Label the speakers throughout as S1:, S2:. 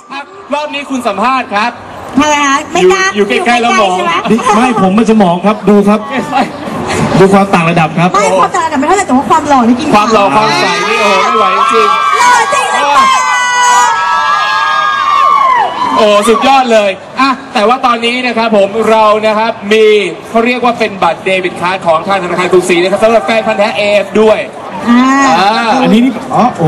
S1: รอบนี้คุณสัมภาษณ์ครับ
S2: ทำไมคะไม่กล้า
S1: อยู่ใกล้ๆแล้วมอง
S3: ไม่ผมมันจะมองครับดูครับดูความต่างระดับครับ
S2: ไม่ความต่างระดับไม่เท่าไหร่แต่ว่าความหล่อนี่กิน
S1: ความหล่อความใสนี่โอ้ไม่ไหวจริง
S2: หล่อจริงเลย
S1: โอ้สุดยอดเลยอ่ะแต่ว่าตอนนี้นะครับผมเรานะครับมีเขาเรียกว่าเป็นบัตรเดบิตการ์ดของทางธนาคารกรุงศรีนะครับสำหรับแฟนพันธุ์แท้เอฟด้วย
S3: อันนี้นี่โอ้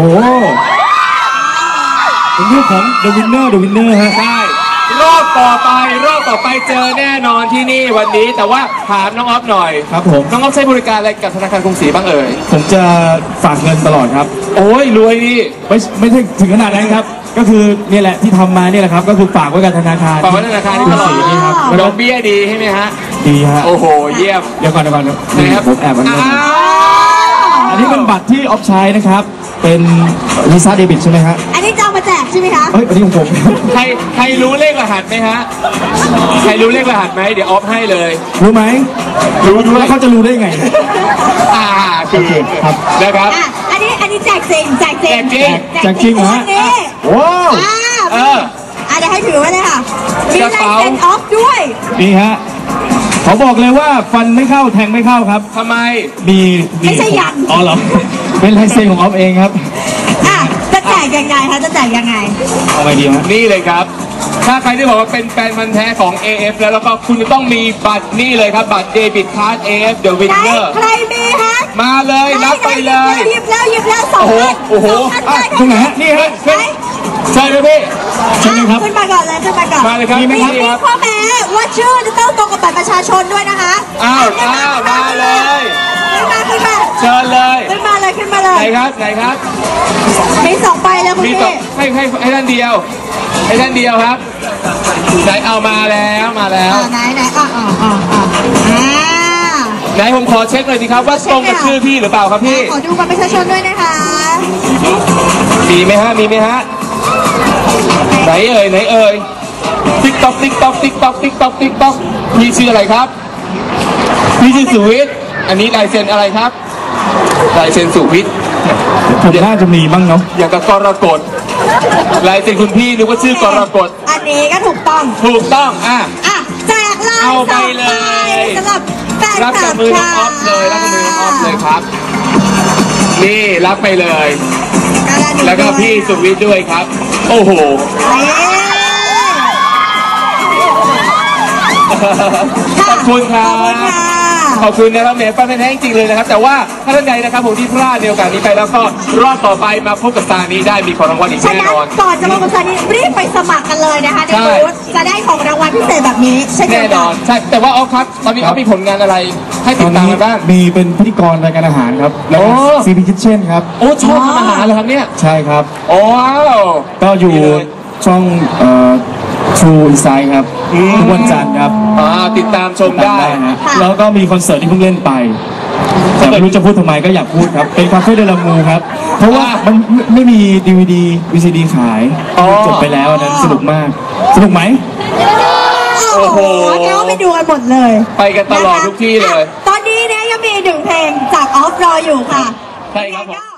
S3: เป็นเรื่องของ The Winner ฮะ
S1: ใช่รอบต่อไปเจอแน่นอนที่นี่วันนี้แต่ว่าถามน้องออฟหน่อย
S3: ครับผม
S1: น้องออฟใช้บริการอะไรกับธนาคารกรุงศรีบ้างเอ่ย
S3: ผมจะฝากเงินตลอดครับ
S1: โอ้ยรวยดิ
S3: ไม่ใช่ถึงขนาดนั้นครับก็คือนี่แหละที่ทำมานี่แหละครับก็คือฝากไว้กับธนาคาร
S1: ฝากไว้ธนาคารที่ตลอดนี่ครับดอกเบี้ยดีใช่ไหมฮะ
S3: ดีฮะ
S1: โอ้โหเยี่ยม
S3: เดี๋ยวก่อนครับผมแอบอันนี้เป็นบัตรที่ออฟใช้นะครับเป็นวีซ่าเดบิตใช่ไหมฮะ
S2: อันนี้จะเอามาแจกใช่ไหมคะ
S3: อันนี้ของผม
S1: ใครรู้เลขรหัสไหมฮะใครรู้เลขรหัสไหมเดี๋ยวออฟให้เลย
S3: รู้ไหมรู้แล้วเขาจะรู้ได้ไง
S1: คือ
S3: ครับ
S1: นะครับ
S2: อันนี้แจกจริง
S3: แจกจริงฮะว้าว
S2: เดี๋ยวให้ถือไว้เลยค่ะมีลายเซ็นออฟด้วย
S3: นี่ฮะเขาบอกเลยว่าฟันไม่เข้าแทงไม่เข้าครับ
S1: ทำไม
S2: ไม่ใช่ยัน
S3: อ๋อเหรอเป็นลายเซ็นของออฟเองครับ
S2: จะแจกยังไงคะจะแจกยังไง
S3: เอาไงดีฮะ
S1: นี่เลยครับถ้าใครที่บอกว่าเป็นแฟนพันธุ์แท้ของ AF แล้วก็คุณจะต้องมีบัตรนี่เลยครับบัตรเดบิตการ์ด AF The Winner
S2: ใครมีฮะ
S1: มาเลยรับไปเลย
S2: หยิบแล้ว2 อัน
S1: โอ้โห
S3: ตรงไหนฮะนี่ฮะ
S1: ใช่เลยพี่
S3: ใช่ไหมครับ
S2: ขึ้นมาก่อนเลย
S1: มาเลยครับ
S2: มีข้อแม้ว่าชื่อจะต้องตรงกับบัตรประชาชนด้วยนะคะ
S1: มาเลย
S2: ขึ้นมา
S1: เชิญเลย
S2: ขึ้นมาเลย
S1: ไหนครับ
S2: มี2 ใบแล้วคุณพี่
S1: ให้ท่านเดียวครับไหนเอามาแล้ว
S2: ไหน
S1: ไหนผมขอเช็คหน่อยสิครับว่าตรงกับชื่อพี่หรือเปล่าครับพี่
S2: ขอดูบัตรประชาชนด้วยนะคะ
S1: มีไหมฮะไหนเอ่ยติ๊กต๊อกพี่ชื่ออะไรครับพี่ชื่อสุวิทย์อันนี้ลายเซ็นอะไรครับลายเซ็นสุวิทย์
S3: ผมน่าจะมีบ้างเนาะ
S1: อย่างกับกรกฎลายเซ็นคุณพี่นึกว่าชื่อกรกฎ
S2: อันนี้ก็ถูกต้องแจกเลย
S1: เอาไปเลย
S2: สำหรับแฟนคลับ
S1: รับกับมือน้องออฟเลยครับนี่รับไปเลยแล้วก็พี่สุวิทย์ด้วยครับโอ้โหขอบคุณครับขอบคุณนะครับแหมฟังแท้จริงเลยนะครับแต่ว่าถ้าท่านใดนะครับผมที่พลาดในโอกาสนี้ไปแล้วก็รอบต่อไปมาพบกับซานี้ได้มีของรางวัลอีกแน่นอน
S2: ก่อนจะมาพบกับซานี้รีบไปสมัครกันเลยนะคะในบูธจะได้ของรางวัลพิเศษแบบนี้
S1: แน่นอนใช่แต่ว่าออฟครับตอนนี้ออฟมีผลงานอะไรให้ติดตามกันบ้าง
S3: มีเป็นพิธีกรรายการอาหารครับแล้วก็CP Kitchen ครับ
S1: โอ้ชอบทำอาหารเลยครับเนี่ย
S3: ใช่ครับ
S1: ว้าว
S3: ก็อยู่ช่องTrue Insight ครับทุกวันจันทร์ครับ
S1: ติดตามชมได้
S3: นะแล้วก็มีคอนเสิร์ตที่เพิ่งเล่นไปแต่ไม่รู้จะพูดทำไมก็อยากพูดครับเป็นคาเฟ่เดลามูครับเพราะว่ามันไม่มี DVD VCD ขายจบไปแล้วนั้นสนุกมากสนุกไหม
S1: โอ้โห
S2: เราไปดูกันหมดเลย
S1: ไปกันตลอดทุกที่เลย
S2: ตอนนี้เนี่ยยังมี1 เพลงจากออฟรออยู่ค่ะ
S1: ใช่ครับผม